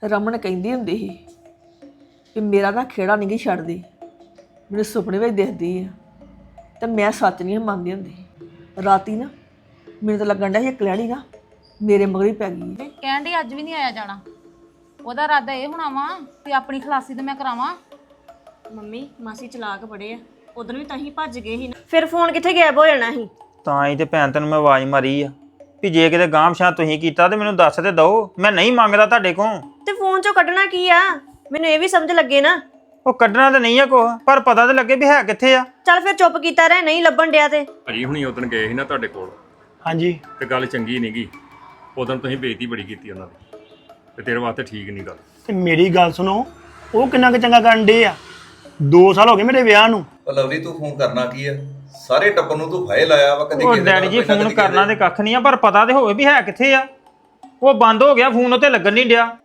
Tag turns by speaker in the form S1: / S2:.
S1: ਰਮਨ ਕਹਿੰਦੀ ਹੁੰਦੀ ਸੀ ਕਿ ਮੇਰਾ ਨਾ ਖੇੜਾ ਨਹੀਂ ਗੀ ਛੱਡਦੀ, ਮੈਨੂੰ ਸੁਪਨੇ ਵਿੱਚ ਦਿਖਦੀ ਆ ਤੇ ਮੈਂ ਸੱਚ ਨਹੀਂ ਮੰਨਦੀ ਹੁੰਦੀ। ਰਾਤੀ ਨਾ ਮੈਨੂੰ ਤਾਂ ਲੱਗਣ ਡਿਆ ਸੀ ਕਲਿਆਣੀ ਨਾ ਮੇਰੇ ਮਗਰ ਹੀ ਪੈ ਗਈ ਹੈ।
S2: ਕਹਿਣ ਡਈ ਅੱਜ ਵੀ ਨਹੀਂ ਆਇਆ ਜਾਣਾ। ਉਹਦਾ ਇਰਾਦਾ ਇਹ ਹੋਣਾ ਵਾ ਕਿ ਆਪਣੀ ਖਲਾਸੀ ਤੇ ਮੈਂ ਕਰਾਵਾਂ।
S3: ਮੰਮੀ ਮਾਸੀ ਚਲਾਕ ਬੜੇ ਆ, ਉਦੋਂ ਵੀ ਤਾਂ ਹੀ ਭੱਜ ਗਏ ਸੀ ਨਾ।
S4: ਫਿਰ ਫੋਨ ਕਿੱਥੇ ਗਾਇਬ ਹੋ ਜਾਣਾ ਸੀ?
S5: ਤਾਂ ਹੀ ਤੇ ਭੈਣ ਤੈਨੂੰ ਮੈਂ ਆਵਾਜ਼ ਮਾਰੀ ਆ ਵੀ ਜੇ ਕਿਤੇ ਗਾਂਵ-ਸ਼ਾਂ ਤੁਸੀਂ ਕੀਤਾ ਤੇ ਮੈਨੂੰ ਦੱਸ ਤੇ ਦਿਓ, ਮੈਂ ਨਹੀਂ ਮੰਗਦਾ ਤੁਹਾਡੇ ਕੋਲ।
S4: ਤੇ ਫੋਨ ਚੋਂ ਕੱਢਣਾ ਕੀ ਆ? ਮੈਨੂੰ ਇਹ ਵੀ ਸਮਝ ਲੱਗੇ ਨਾ।
S5: ਉਹ ਕੱਢਣਾ ਤਾਂ ਨਹੀਂ ਆ ਕੁਛ, ਪਰ ਪਤਾ ਤਾਂ ਲੱਗੇ ਵੀ ਹੈ ਕਿੱਥੇ ਆ।
S4: ਚੱਲ ਫਿਰ ਚੁੱਪ ਕੀਤਾ ਰਹਿ, ਨਹੀਂ ਲੱਭਣ ਡਿਆ ਤੇ।
S6: ਭਾਜੀ ਹੁਣੀ ਉਦੋਂ ਗਏ ਸੀ ਨਾ ਤੁਹਾਡੇ ਕੋਲ,
S7: ਹਾਂਜੀ
S6: ਤੇ ਗੱਲ ਚੰਗੀ ਨਹੀਂ ਗਈ। ਉਦੋਂ ਤੁਸੀਂ ਬੇਇੱਜ਼ਤੀ ਬੜੀ ਕੀਤੀ ਉਹਨਾਂ ਦੀ, ਤੇ ਤੇਰੇ ਵਾਸਤੇ ਠੀਕ ਨਹੀਂ ਗੱਲ।
S7: ਤੇ ਮੇਰੀ ਗੱਲ ਸੁਣੋ, ਉਹ ਕਿੰਨਾ ਕੁ ਚੰਗਾ ਕਰਨ ਡੇ ਆ। 2 ਸਾਲ ਹੋ ਗਏ ਮੇਰੇ ਵਿਆਹ ਨੂੰ।
S8: ਉਹ ਲਵਲੀ ਤੂੰ ਫੋਨ ਕਰਨਾ ਕੀ ਆ? ਸਾਰੇ ਟੱਬਰ ਨੂੰ ਤੂੰ ਫਾਇਲ ਲਾਇਆ ਵਾ, ਕਦੀ
S5: ਉਹ
S8: ਕਿਸੇ
S5: ਡੈਡੀ ਜੀ ਫੋਨ ਕਰਨਾ ਤੇ ਕੱਖ ਨਹੀਂ ਆ, ਪਰ ਪਤਾ ਤੇ ਹੋਵੇ ਵੀ ਹੈ ਕਿੱਥੇ ਆ। ਉਹ ਬੰਦ ਹੋ ਗਿਆ ਫੋਨ, ਉੱਤੇ ਲੱਗਣ ਨਹੀਂ ਡਿਆ।